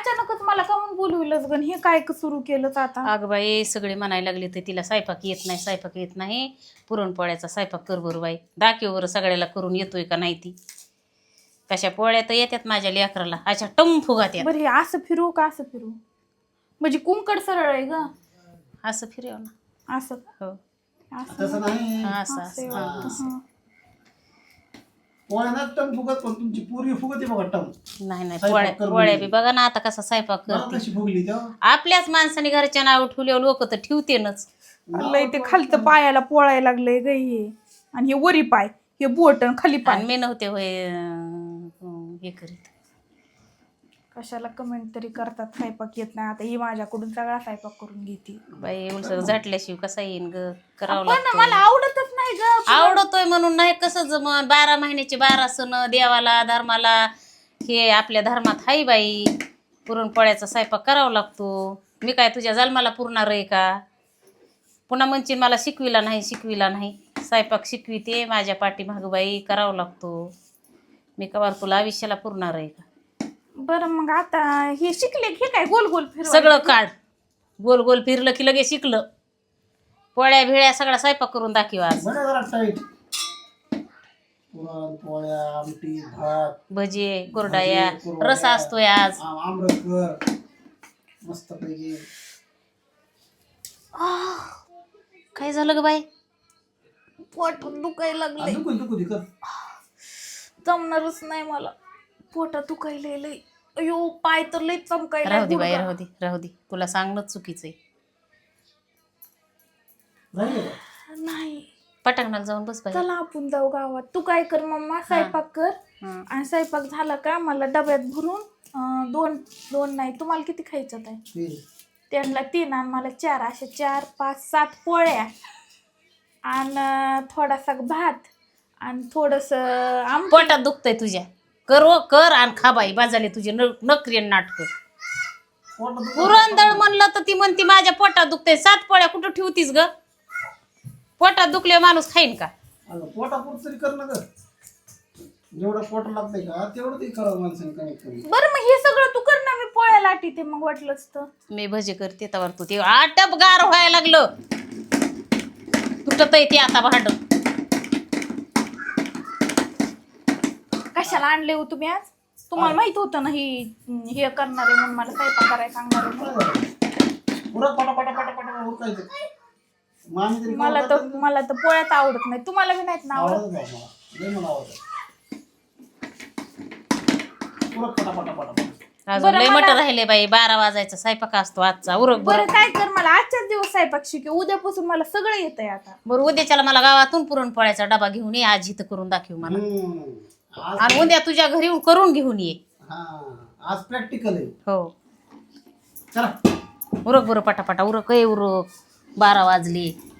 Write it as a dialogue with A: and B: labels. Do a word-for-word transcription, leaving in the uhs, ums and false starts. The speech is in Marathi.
A: अचानकच मला का म्हणून बोलविलंच गण हे काय सुरू केलंच आता.
B: अगं बाई सगळे म्हणायला लागले तर तिला स्वयंपाक येत नाही स्वयंपाक येत नाही पुरणपोळ्याचा स्वयंपाक कर बरं बाई दाखव बरं सगळ्याला करून येतोय का नाही ती. कशा पोळ्या तर येतात माझ्या लेकराला अशा टम फुगात
A: बरं हे असं फिरू का असं फिरू म्हणजे कुंकड सरळ आहे ग
B: असं फिरव ना
A: असं
B: हो
C: तसं नाही
B: हा, असं
A: असं आहे
B: असं
A: वाटतं,
B: हा.
A: हा.
C: पोळ्या ना टम फुगत पण तुमची पूर्वी फुगते बघा टम.
B: नाही नाही
C: स्वयंपाक
B: पोळ्या
C: करून
B: पोळ्या
C: ये.
B: बी बघा ना आता कसा स्वयंपाक
C: मला
B: करते
C: कशी फुगली तेव्हा
B: आपल्याच माणसाने घरच्या नाव ठेवल्यावर लोक तर ठेवतेनच.
A: लय ते खालचं पायाला पोळायला लागलंय ग हे आणि हे वरी पाय हे बोट आणि खाली पाय
B: आणि मी नव्हते होय अं, हे करीत
A: कशाला कमेंट तरी करतात स्वयंपाक येत नाही आता ही माझ्याकडून सगळा स्वयंपाक करून घेते
B: बाई उलसर झाटल्याशिवाय कसा येईन ग करावं
A: पण
B: लागतं
A: मला आवडतच नाही ग
B: आवडतोय म्हणून नाही कसं जमन बारा महिन्याचे बारा सण देवाला धर्माला हे आपल्या धर्मात हाय बाई पुरणपोळ्याचा स्वयंपाक करावा लागतो. मी काय तुझ्या जन्माला पुरणार आहे का पुन्हा म्हणशील मला शिकविला नाही शिकविला नाही स्वयंपाक शिकविते माझ्या पाठीमागं बाई करावं लागतो. मी कवार तुला आयुष्याला पुरणार आहे का.
A: बरं मग आता हे शिकले हे काय गोल गोल फिर
B: सगळं काढ गोल गोल फिरलं की लगेच शिकलं. पोळ्या भिळ्या सगळा स्वयंपाक करून दाखव आज.
C: बरं जरा टाईट पुरण पोळ्या आमटी भात
B: भजी कुरडाया
C: भजी, कुरवड्या,
B: रस असतोय आज.
C: आम- आमरसकर मस्त पैकी.
B: काय झालं ग बाई
A: पोट दुखायला लागले
C: दुखू दुखू दे कर.
A: जमणारच नाही मला पोटात दुखायला लय अयो पाय तर लय चमकायला
B: राहू दे बाई
A: गुडघा.
B: राहू दे राहू दे तुला सांगणं चुकीचं आहे.
C: राहिलं का?
A: नाही
B: पटांगणाला जाऊन बस बाई.
A: चला आपण जाऊ गावात तू काय कर मम्मा स्वयंपाक कर
B: हं.
A: आणि स्वयंपाक झाला का मला डब्यात भरून अं, दोन दोन नाही तुम्हाला किती खायचं आहे
C: तीन.
A: त्यांना तीन आणि मला चार अशा चार पाच सात पोळ्या आणि थोडासा भात आणि थोडस आम
B: पोटात दुखतंय तुझ्या कर व कर आणि खा बाई बाजाले तुझे न नकरी नाटक.
C: पोटात दुखतं.
B: पुरंदळ म्हणलं तर ती म्हणती माझ्या पोटात दुखतंय सात पोळ्या कुठं ठेवतीस ग पोटात दुखले माणूस खाईन का.
C: अगं पोटापुरत तरी कर ना ग. जेवढं पोट लागतंय का तेवढं तरी करावं माणसाने कमीत कमी.
A: बरं मग हे सगळं तू कर ना मी पोळ्या लाटीते मग वाटलंच तर
B: मी भजी करते तवर तू ते आटप गार व्हायला लागलं तुटत ते आता भांड.
A: कशाला आणले हो तुम्ही आज तुम्हाला माहित होतं ना ही हे करणार आहे म्हणून मला स्वयंपाक करायला सांगणार आहे म्हणून.
C: पुरा पटा पटा पटा पटा उरकायचं. मामी तरी
A: मला तर मला तर पोळ्यात आवडत नाही तुम्हाला बी नाहीत ना आवडत.
C: आवडत बा मला. लय मला आवडत. पुरा पटा पटा पटा पटा.
B: अजून
A: बरं
B: लय
A: मला-
B: मटर राहिले बाई बारा वाजायचा स्वयंपाक असतो आजचा उरक
A: बरं
B: बरं.
A: काय कर मला आजच्याच दिवस स्वयंपाक शिके उद्यापासून मला सगळं येतंय आता.
B: बरं उद्याच्याला मला गावातून पुरणपोळ्याचा डबा घेऊन ये आज इथं करून दाखव मला
C: हम्म. आज
B: आणि उद्या तुझ्या घरी येऊन करून घेऊन ये.
C: हा आज प्रॅक्टिकल आहे.
B: हो
C: चला
B: उरक बरं पटापटा उरक ए उरक बारा वाजले.